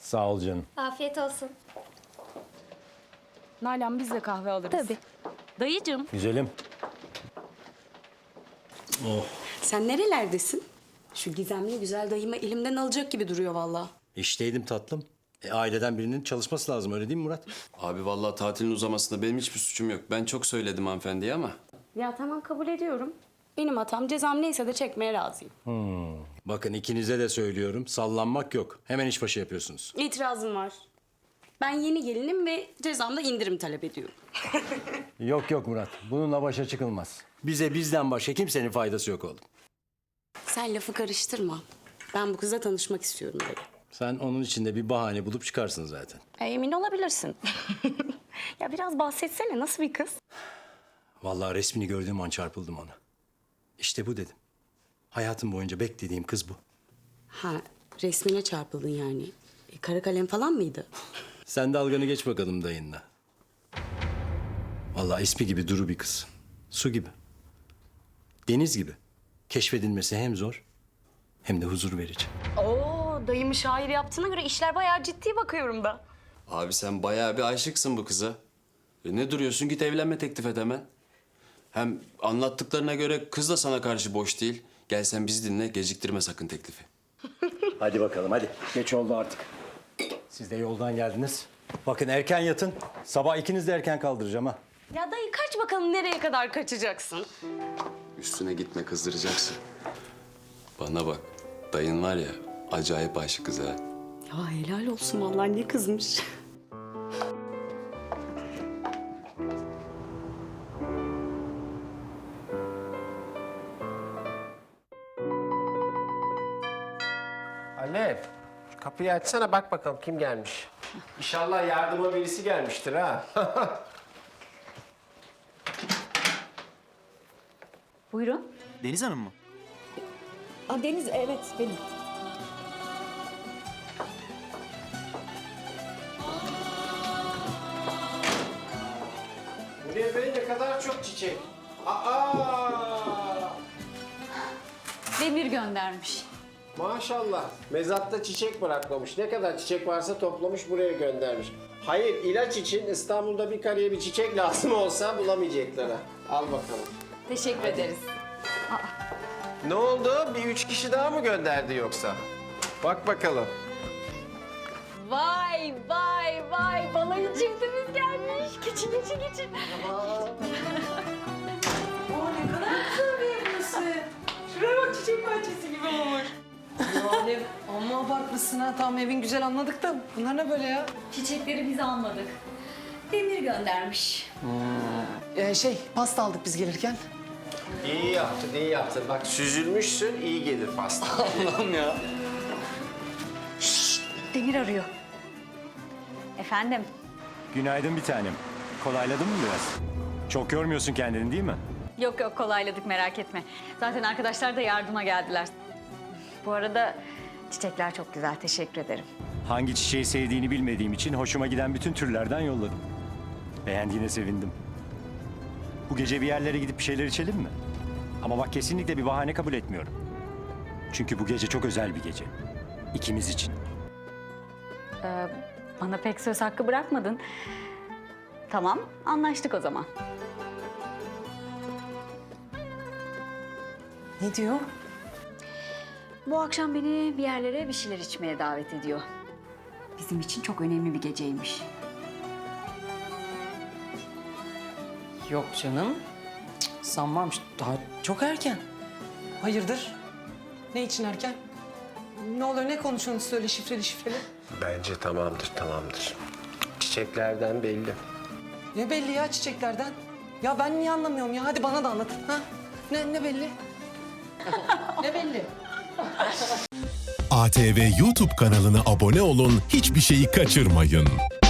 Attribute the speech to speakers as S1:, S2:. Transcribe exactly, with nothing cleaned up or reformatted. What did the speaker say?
S1: Sağ ol canım.
S2: Afiyet olsun.
S3: Nalan biz de kahve alırız.
S2: Tabii.
S3: Dayıcığım.
S1: Güzelim. Oh.
S4: Sen nerelerdesin? Şu gizemli güzel dayımı elimden alacak gibi duruyor vallahi.
S1: İşteydim tatlım. E, aileden birinin çalışması lazım, öyle değil mi Murat?
S5: Abi vallahi tatilin uzamasında benim hiçbir suçum yok. Ben çok söyledim hanımefendiye ama.
S4: Ya tamam kabul ediyorum. Benim hatam, cezam neyse de çekmeye razıyım.
S1: Bakın ikinize de söylüyorum, sallanmak yok. Hemen işbaşı yapıyorsunuz.
S4: İtirazım var. Ben yeni gelinim ve cezamda indirim talep ediyorum.
S1: Yok yok Murat, bununla başa çıkılmaz. Bize bizden başka kimsenin faydası yok oğlum.
S4: Sen lafı karıştırma. Ben bu kızla tanışmak istiyorum dedi.
S1: Sen onun içinde bir bahane bulup çıkarsın zaten.
S4: E, emin olabilirsin. Ya biraz bahsetsene, nasıl bir kız?
S1: Vallahi resmini gördüğüm an çarpıldım ona. İşte bu dedim. Hayatım boyunca beklediğim kız bu.
S4: Ha, resmine çarpıldın yani. E, kara kalem falan mıydı?
S1: Sen dalganı geç bakalım dayınla. Vallahi ismi gibi duru bir kız. Su gibi. Deniz gibi. Keşfedilmesi hem zor hem de huzur verici.
S4: Oo, dayımı şair yaptığına göre işler bayağı ciddi bakıyorum da.
S5: Abi sen bayağı bir aşıksın bu kıza. E ne duruyorsun, git evlenme teklif et hemen. Hem anlattıklarına göre kız da sana karşı boş değil. Gel sen bizi dinle, geciktirme sakın teklifi.
S1: Hadi bakalım hadi. Geç oldu artık. Siz de yoldan geldiniz. Bakın erken yatın. Sabah ikiniz de erken kaldıracağım ha.
S4: Ya dayı kaç bakalım, nereye kadar kaçacaksın?
S5: Üstüne gitme, kızdıracaksın. Bana bak, dayın var ya acayip aşık kız ha.
S4: Ya helal olsun vallahi, ne kızmış.
S6: Alev, şu kapıyı açsana, bak bakalım kim gelmiş. İnşallah yardıma birisi gelmiştir ha.
S3: Buyurun.
S7: Deniz Hanım mı?
S3: Aa, Deniz, evet benim.
S6: Buraya böyle ne kadar çok çiçek. Aa!
S3: Demir göndermiş.
S6: Maşallah. Mezatta çiçek bırakmamış. Ne kadar çiçek varsa toplamış, buraya göndermiş. Hayır, ilaç için İstanbul'da bir karıya bir çiçek lazım olsa bulamayacaklar ha. Al bakalım.
S3: Teşekkür ederiz.
S6: Ne oldu? Bir üç kişi daha mı gönderdi yoksa? Bak bakalım.
S3: Vay vay vay, balayı çiftimiz gelmiş. Geçin geçin geçin.
S8: Yani amma abartmışsın ha. Tamam, evin güzel anladık da bunlar ne böyle ya?
S3: Çiçekleri biz almadık. Demir göndermiş.
S8: Ee, şey, pasta aldık biz gelirken.
S6: İyi yaptın, iyi yaptın. Bak süzülmüşsün, iyi gelir pasta.
S7: Allah'ım ya.
S3: Demir arıyor. Efendim?
S1: Günaydın bir tanem. Kolayladın mı biraz? Çok yormuyorsun kendini değil mi?
S3: Yok yok, kolayladık, merak etme. Zaten arkadaşlar da yardıma geldiler. Bu arada çiçekler çok güzel, teşekkür ederim.
S1: Hangi çiçeği sevdiğini bilmediğim için hoşuma giden bütün türlerden yolladım. Beğendiğine sevindim. Bu gece bir yerlere gidip bir şeyler içelim mi? Ama bak kesinlikle bir bahane kabul etmiyorum. Çünkü bu gece çok özel bir gece. İkimiz için.
S3: Ee, bana pek söz hakkı bırakmadın. Tamam, anlaştık o zaman.
S8: Ne diyor?
S3: Bu akşam beni bir yerlere bir şeyler içmeye davet ediyor. Bizim için çok önemli bir geceymiş.
S8: Yok canım. Cık, sanmam. Daha çok erken. Hayırdır? Ne için erken? Ne oluyor, ne konuşuyorsunuz söyle şifreli şifreli?
S6: Bence tamamdır, tamamdır. Çiçeklerden belli.
S8: Ne belli ya çiçeklerden? Ya ben niye anlamıyorum ya? Hadi bana da anlat. Ha? Ne, ne belli? Ne belli?
S9: A T V YouTube kanalına abone olun, hiçbir şeyi kaçırmayın.